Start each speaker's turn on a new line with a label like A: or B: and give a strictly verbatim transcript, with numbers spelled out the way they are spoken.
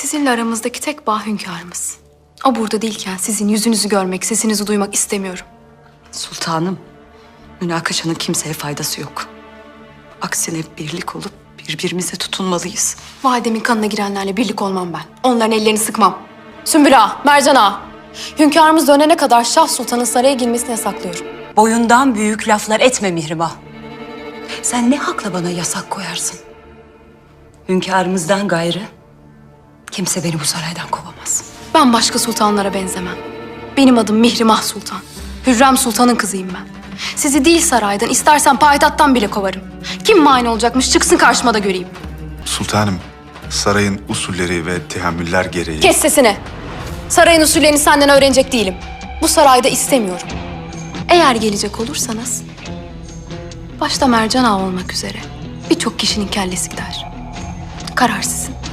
A: Sizinle aramızdaki tek bağ hünkârımız. O burada değilken sizin yüzünüzü görmek, sesinizi duymak istemiyorum.
B: Sultanım, münakaşanın kimseye faydası yok. Aksine birlik olup birbirimize tutunmalıyız.
A: Validemin kanına girenlerle birlik olmam ben. Onların ellerini sıkmam. Sümbül Ağa, Mercan Ağa. Hünkârımız dönene kadar Şah Sultan'ın saraya girmesini yasaklıyorum.
B: Boyundan büyük laflar etme Mihrimah. Sen ne hakla bana yasak koyarsın? Hünkârımızdan gayrı kimse beni bu saraydan kovamaz.
A: Ben başka sultanlara benzemem. Benim adım Mihrimah Sultan. Hürrem Sultan'ın kızıyım ben. Sizi değil saraydan, istersen payitahttan bile kovarım. Kim mani olacakmış çıksın karşıma da göreyim.
C: Sultanım, sarayın usulleri ve tehammüller gereği...
A: Kes sesini. Sarayın usullerini senden öğrenecek değilim. Bu sarayda istemiyorum. Eğer gelecek olursanız, başta Mercan Ağa olmak üzere birçok kişinin kellesi gider. Karar sizin.